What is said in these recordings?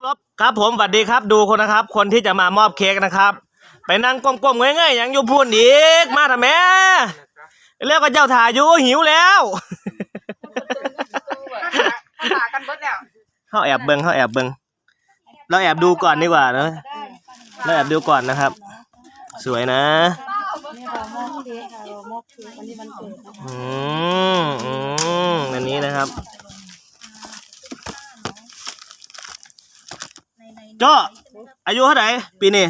ครับผมสวัสดีครับดูคนนะครับคนที่จะมามอบเค้กนะครับไปนั่งก้มๆง่ายๆอย่างอยู่พูนอีกมาทำไมเรียกว่าเจ้าถ่ายอยู่หิวแล้วเขาแอบเบิ้งเราแอบดูก่อนดีกว่านะเราแอบดูก่อนนะครับสวยนะอันนี้นะครับโจ้อายุเท่าไหร่ปีนี้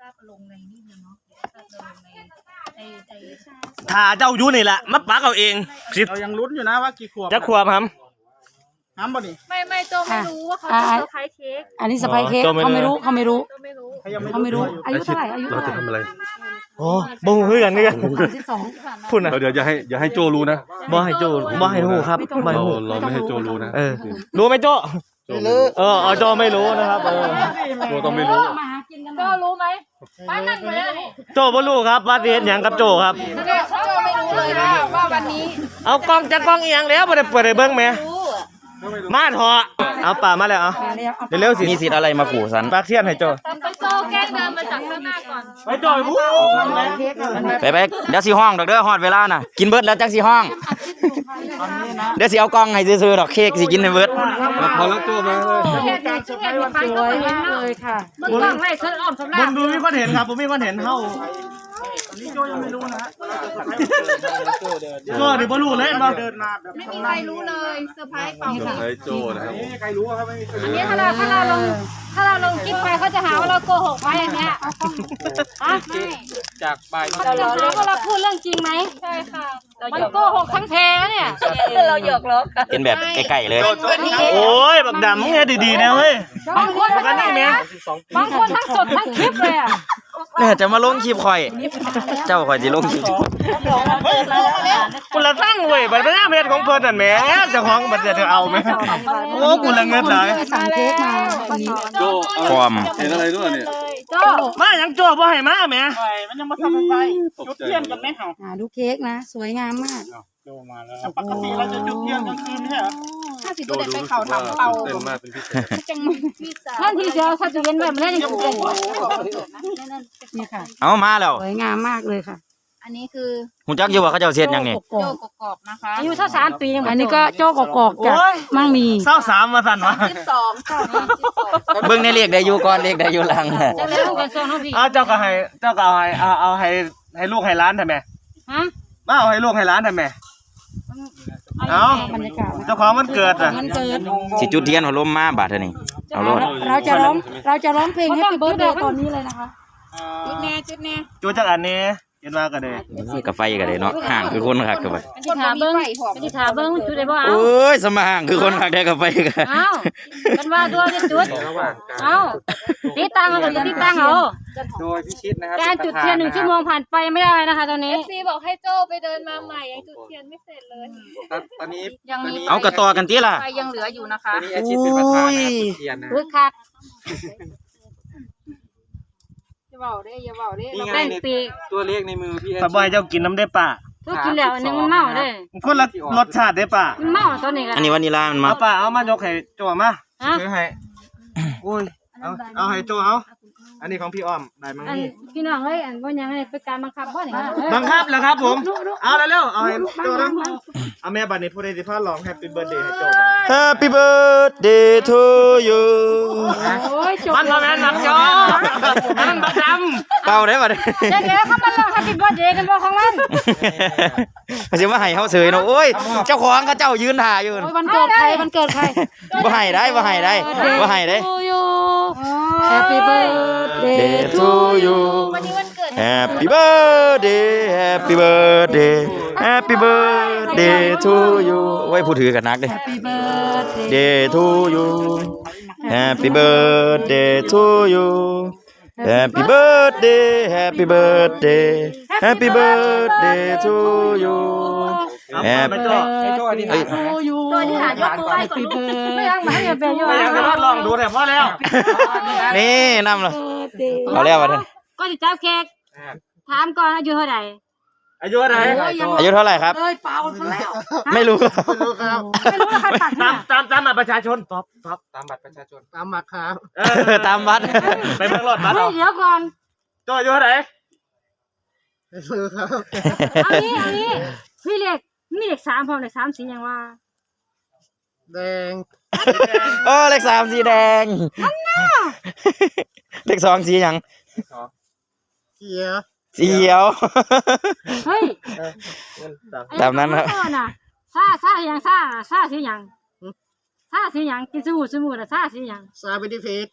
ถ้าเจ้าอยู่นี่แหละมัดปากเอาเองเรายังลุ้นอยู่นะว่ากี่ขวบจะขวบครับบ่นี่ไม่โจไม่รู้ว่าเขาจะเซอร์ไพรส์เค้กอันนี้เซอร์ไพรส์เค้กเขาไม่รู้เขาไม่รู้อายุเท่าไหร่อายุเราจะทำอะไรโอ้บ่ฮู้คือกันนี่กัน 32 พูดนะเดี๋ยวอย่าให้โจรู้นะบ่ให้โจ้บ่ให้ฮู้ครับบ่ให้ฮู้เราไม่ให้โจรู้นะรู้ไหมโจ้โจ้ไม่รู้นะครับโจต้องไม่รู้โจรู้ไหมบ้านนั่นเลยนี่โจ้บ่รู้ครับว่าสิเฮ็ดหยังกับโจ้ครับโจไม่รู้เลยว่าวันนี้เอากล้องจักกล้องอีหยังแล้วบ่ได้เปิดให้เบิ่งแหมมาเถอะเอาป่ามาแล้วเอาเร็วๆสิมีสิทธิ์อะไรมาขู่ฉันปากเทียนให้โจ้ไปโจแกล้งเดินมาจากข้างหน้าก่อนไปโจ้พูดไปเดี๋ยวสิห้องดอกเด้อฮอดเวลาน่ะกินเบิดแล้วจังสิห้องเดี๋ยวสิเอากล้องให้ซื้อๆดอกเค้กสิกินให้เบิดพอแล้วโจมาเลยค่ะมึงกล้องไล่เชิญอ้อมสำนักผมดูมีคนเห็นครับผมมีคนเห็นเฮานี่โจยังไม่รู้นะโจ้นี่บ่รู้เลยบ่เดินมาแบบไม่มีใครรู้เลยเซอร์ไพรส์เปล่าค่ะให้โจนะครับไม่มีใครรู้ครับไม่มีใครรู้อันนี้ถ้าเราลงคลิปไปเขาจะหาว่าเราโกหกไว้อย่างเงี้ยไม่จากใบเขาจะหาว่าเราพูดเรื่องจริงไหมใช่ค่ะมันโกหกทั้งแท้เนี่ยเราหยอกล้อกันเป็นแบบใกล้ๆเลยโอ้ยบักดำมึงเฮ็ดดีๆนะเฮ้ยบางคนทั้งสดทั้งคลิปเลยอ่ะเนี่ยจะมาลงคลิปข่อยเจ้าข่อยสิลงคลิปกูละตั้งเว้ยบัดนี้เฮ็ดของเพิ่นนั่นแหมเจ้าของบัดจะเอาไหมโอ้กูละเงินหลายสั่งเค้กมาวันนี้โจความเห็นอะไรด้วยเนี่ยโจมายังโจ้บ่ให้มาแหมมันยังมาทำอะไรจุดเทียนกันไหมเหรอดูเค้กนะสวยงามมากโจมาแล้วปกติเราจะจุดเทียนกลางคืนไม่ใช่เหรอโจดูไปเขาทำเตาเต็มมากเป็นพิเศษท่านทีเดียวถ้าจะเย็นแบบนี้ยังเก่งนี่ค่ะเอามาแล้วสวยงามมากเลยค่ะอันนี้คือหูจักอยู่ว่าเขาเจ้าเฮ็ดหยังนี่โจกกอกนะคะอายุเท่า3 ปีอันนี้ก็โจ้กอกจากมั่งมี 23มาสั่นวะ 12 เบิ่งในเลขได้อยู่ก่อนเลขได้อยู่หลังจะเล่นกันโซนพี่เจ้าก็เอาให้ลูกให้ร้านทำไมมาเอาให้ลูกให้ร้านทำไมเอาเจ้าของมันเกิดอ่ะสิจุดเทียนหัวลมมาบาดเท่านี้เอาโลดเราจะร้องเพลง Happy Birthday ตอนนี้เลยนะคะจุดแน่จุดจากอันนี้เห็นว่าก็ได้กาแฟก็ได้เนาะห่างคือคนคักกาแฟที่ถามเบิ้งจุดได้บ่เอาโอ้ยสมาห่างคือคนคักได้กาแฟกันอ้าวมันว่าด้วยจะจุดเอ้าติดตั้งเอาก็ติดตั้งเอาโดยพิชิตนะครับการจุดเทียน1 ชั่วโมงผ่านไปไม่ได้นะคะตอนนี้ FC บอกให้โจ้ไปเดินมาใหม่ยังจุดเทียนไม่เสร็จเลยตอนนี้ยังมีเอากระต่อกันติล่ะไฟยังเหลืออยู่นะคะตอนนี้อาชีพเป็นประธานจุดเทียนนะคักอย่าเบาได้เราเป็นปีกตัวเลขในมือพี่ป้าบอยเจ้ากินน้ำได้ป่ะกินแล้วอันนึงมันเมาได้คนละรสชาติได้ป่ะมันเมาตัวนี้กันอันนี้วานิลามันมาป่ะเอามายกให้โจมาซื้อให้อุ้ยเอาให้โจเอาอันนี้ของพี่อ้อมได้มั้งนี่พี่น้องเอ้ยอันว่ายังไงเป็นการบังคับบ่นี่บังคับแล้วครับผมเอาเร็วเอาให้โจนะเอาแม่บัดนี้ผู้ใดสิพาร้อง Happy Birthday ให้โจ Happy Birthday to you มันทำแม่นักจอมันบักดำเป่าได้ป่ะเดี๋ยวเขามาลอง Happy Birthday กันบ่ของมันเขาสิมาให้เฮาเสยเนาะโอ้ยเจ้าของเขาเจ้ายืนท่าอยู่วันเกิดใครบ่ให้ได้ Happy Birthday to you วันนี้วันเกิด Happy Birthday to you ไว้ผู้ถือกันนักเด้ Happy Birthday to you Happy Birthday to you Happy Birthday to you Happy Birthday ตัวที่หายกมือไหว้ก่อนไม่ยังมาให้เป็นอยู่ลองดูแต่พอแล้วนี่นำเลยเอาแล้ววะท่านก็จะจับเค้กถามก่อนอายุเท่าไหร่อายุเท่าไหร่อายุเท่าไหร่ครับเลยเปล่าซะแล้วไม่รู้ไม่รู้ครับไม่รู้ว่าใครตัดเนี่ยตามบัตรประชาชนตอบตามบัตรประชาชนตามมาครับตามวัดไปเบิ่งรถบัตรเฮ้ยเอาเดี๋ยวก่อนโจ้อายุเท่าไหร่ไม่รู้ครับเอานี้พี่เลขมีเลขสามพร้อมเลขสามสีอย่างว่าแดงโอ้เลข3สีแดงเลข2สีหยังเขียวสีเขียวเฮ้ยตามนั้นครับไอ้ตัวน่ะซาอย่างซาสีอย่างซาสีอย่างกินสมูน่ะซาสีอย่างซาบิดิเพช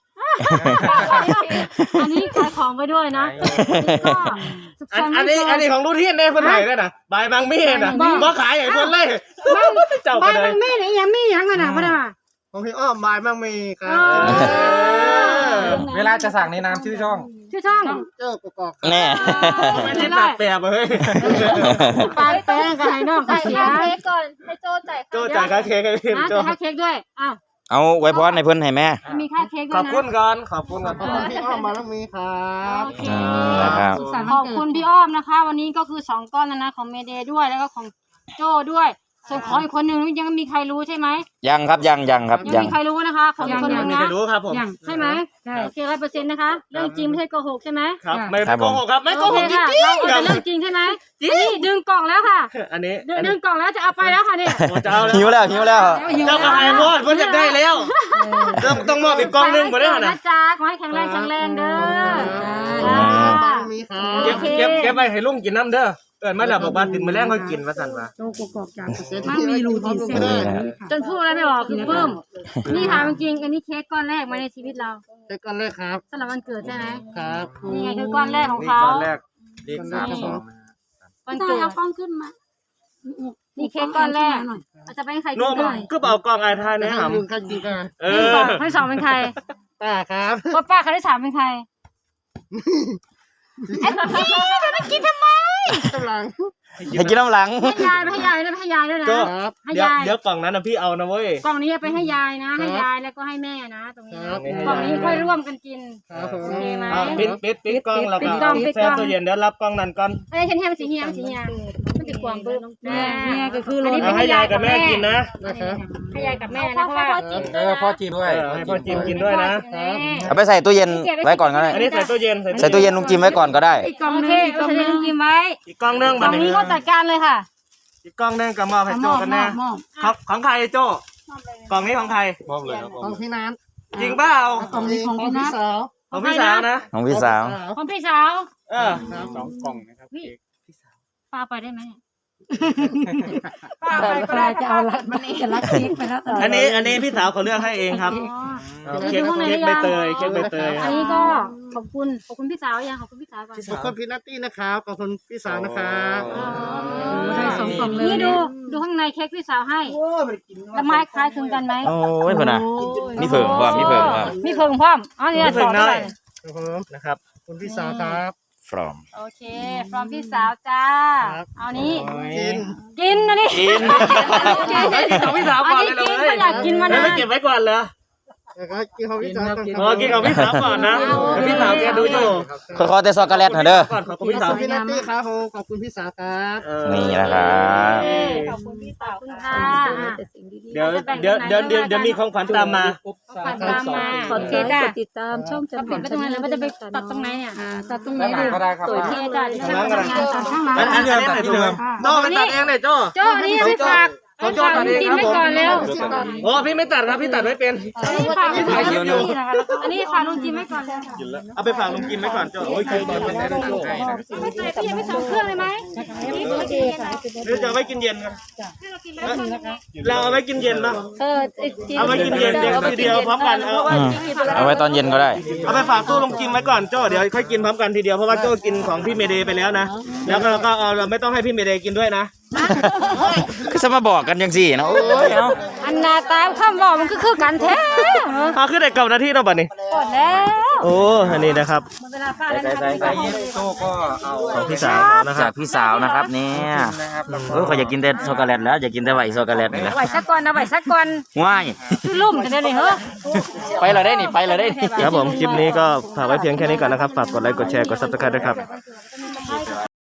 อันนี้ขายของไปด้วยนะก็อันนี้ของรุ่นที่เนี่ยเพิ่นไหนได้น่ะบายบางมีน่ะบ่ขายให้เพิ่นเลยเจ้าใบก็เลมัยนมีไหนยังมียังกันนะพ่อดาของพี่อ้อมบายมั่งมีครับเวลาจะสั่งในนามชื่อช่องชื่อช่องเจ้ากอกแน่ไม่ได้ตัดแปรเฮ้ยปลาแป้งกับไห้นอกจ่ายเสียค่าเค้กก่อนให้โจจ่ายโจ้จ่ายค่าเค้กให้พี่นะโจ้จะให้เค้กด้วยอ้าวเอาไว้พรในเพิ่นให้แม่มีค่าเค้กด้ขวอย บนะคุณก่อนขอบคุณก่อนของพี่อ้อมมามั่งมีครับโอเคนะครับสุขสันต์ขวัอน บเกิคุดณพี่อ้อมนะคะ วันนี้ก็คือ2ก้อนแล้วนะของเมเดย์ด้วยแล้วก็ของโจ้ด้วยส่วนของอีกคนนึงยังไม่มีใครรู้ใช่ไหมยังครับยังครับยังยังมีใครรู้นะคะของอีกคนนึงไม่นะรู้ครับผมยังใช่ไหมโอเค100%นะคะเรื่องจริงไม่ใช่โกหกใช่ไหมครับไม่โกหกครับไม่โกโอหเคกจค่ะริงเราๆคจะรับเรื่องจริงใช่ไหมนี่ดึงกล่องแล้วค่ะอันนี้ดึงกล่องแล้วจะเอาไปแล้วค่ะเนี่ยโอ้เจ้าหิวแล้วหิวแล้วเจ้าก็หายหมดเพิ่นอยากได้แล้วต้องมอบอีกกล่องนึงบ่ได้ขอน่ะนะจ๊ะขอให้แข็งแรงเด้อมั่งมีครับเก็บไว้ให้ลุงกินน้ำเด้อเอิ้นมาแล้วบอกว่าติดมื้อแลงค่อยกินว่าซั่นว่าโตกกอกจากมันมีรูทีนเส้นนี่นะครับจนพูดอะไรไม่ออกคือปลื้มนี่ถามจริงอันนี้เค้กก้อนแรกมาในชีวิตเราเช็คกันเลยครับสำหรับวันเกิดใช่ไหมครับนี่ไงคือก้อนแรกของนี่เขาตอนแรกเลข32 วันต้องเกิดเอากล้องขึ้นมานี่เค้กก้อนแรกอาจจะเป็นใครโน้กินมก่อนก็เอากล่องอายทายให้แนะนำลุงกันดีกันเอนี่อก่อนคนที่สองเป็นใครป้าครับป้าคนที่สามเป็นใครไอ้พี่จะมากินทำไมกำลังให้กินน้ำหลังให้ยายไปให้ยายด้วยให้ยายด้วยนะโจ้ครับให้เดี๋ยวยายเดี๋ยวกล่องนั้นนะพี่เอานะเว้ยกล่องนี้ไปให้ยายนะ ให้ยายแล้วก็ให้แม่นะ ตรงนี้ครับกล่องนี้ค่อยร่วมกันกินครับผมโอเคไหมอ่ะปิดกล้องแล้วปิก็ดกล้องปิดกล้แช่องตู้เย็นเดี๋ยวรับกล้องนั้นก่อนไอ้ฉันให้มันสีเฮียมันสีเฮียมันจะกวางปึ๊บเนี่ยก็คืออันนี้เอาให้ยายกับแม่กินนะนะครับให้ยายกับแม่นะเพราะว่าพ่อจีบด้วยให้พ่อจิมกินด้วยนะเอาไปใส่ตู้เย็นไว้ก่อนก็ได้อันนี้ใส่ตู้เย็นใส่ตู้เย็นลุงจิมไว้ก่อนก็ได้อีกกล่องนึงอีกกล่องนึงกินไว้อีกกล้องนึงกบัล่ดองนี้นี้ก็จัดการเลยค่ะอีกกล้องนึงกับมอบให้โจ้กันแน่มอบของใครโจ้กล่องนี้ของใครมอบเลยครับของพี่นัทจริงเปล่ากล่องนี้ของพี่นัทสาวของพี่สาวนะของพี่สาวของพี่สาวเออ 2 กล่องนะครับป้าไปได้ไหมป้าจะเอาลัดมันจะลัดเค้กไปแล้วอันนี้พี่สาวเขาเลือกให้เองครับ เค้กใบเตยเค้กใบเตยคอัรันบนี้ก็ขอบคุณพี่สาวยังขอบคุณพี่สาวก่อนขอบคุณพี่นัตตี้นะครับขอบคุณพี่สาวนะครับได้2กล่องเลยนี่ดูข้างในเค้กพี่สาวให้แล้วไม้คล้ายคลึงกันไหมโอ้ยเพิ่นน่ะมีเผิงว่ามีเผิงว่ามีเพิงพร้อมอ๋อนี่ไม่สเพิ่อง นได้ด้วยครับผมนะครับขอบคุณพี่สาวครับ from โอเค from พี่สาวจ้าครับเอานี้กินกินนะนี่กินของพี่สาวอันก่อนนี้เลยกินเลยก็อยากกินมาแล้วนะไม่เก็บไว้ก่อนเหรอแล้วก็กินของพี่สาวก่อนอ๋อกินของพี่สาวก่อนนะเดี๋ยวพี่สาวแกดูอยู่ขอแต่ช็อกโกแลตหน่อยเด้อก่อนขอบคุณขพี่อสาวบคุณพี่นัตตี้ครับผมขอบคุณพี่สาวครับนี่นะครับขอบคุณพี่สาวค่ะเดี๋ยวมีของขวัญตามมาฝันตามมาขอโอเคเค้กจ้ะกดติดตามช่องจันปิดไปตรงไหนแล้วมันจะไปตัดตรงไหนเนี่ยตัดตรงไหนด้านหลังก็ได้ครับโอเคจ้ะข้างหลังก็ได้งานตัดข้างหลังอันนี้ตัดที่เดิมโจ้ไปตัดเองเลยโจ้โจ้อันนี้ไม่ฝากของโจ้ฝากตัดเองกินครับไว้ผมก่อนเร็วโอ้พี่ไม่ตัดครับพี่ตัดไม่เป็นอันนี้ฝากลุงจิมนี่นะคะอันนี้ฝากลุงจิมไว้ก่อนเลยเอาไปฝากลุงกิมไว้ก่อนโจ้โอ้ยคือตอนเป็นได้โจ้ไม่ใส่พี่ยังไม่ส่งเครื่องเลยไหมหรือจะเอาไว้กินเย็นกันเราเอาไว้กินเย็นป่ะจิมเอาไว้กินเย็นเดี๋ยวทีเดียวพร้อมกันเอาเอาไว้ตอนเย็นก็ได้เอาไปฝากตู้ลุงกิมไว้ก่อนโจ้เดี๋ยวค่อยกินพร้อมกันทีเดียวเพราะว่าโจ้กินของพี่เมเดย์ไปแล้วนะแล้วก็เราไม่ต้องให้พี่เมเดย์กินด้วยนะคือจะมาบอกกันยังสี่นะโอ้ยเอาอันนาตามคำบอกมันก็คือกันแท้เอาขึ้นได้เก่านาทีเราบัดนี้ก่อนแล้วโอ้อันนี้นะครับเวลาป้าแล้วนะคะใส่โจ้ก็เอาของพี่สาวนะคจารักบพี่สาวนะครับเนี่ยนะครับแล้วเออเขาอยากกินแต่ช็อกโกแลตแล้วอยากกินแต่ไหวช็อกโกแลตนี่แหละไหวสักก่อนนะไหวสักก่อนว้ายชื่อลุ่มจะได้เลยเหรอไปเลยได้นี่ไปเลยได้นี่ครับผมคลิปนี้ก็ฝากไว้เพียงแค่นี้ก่อนนะครับฝากกดไลค์กดแชร์กด Subscribe ด้วยครับใช่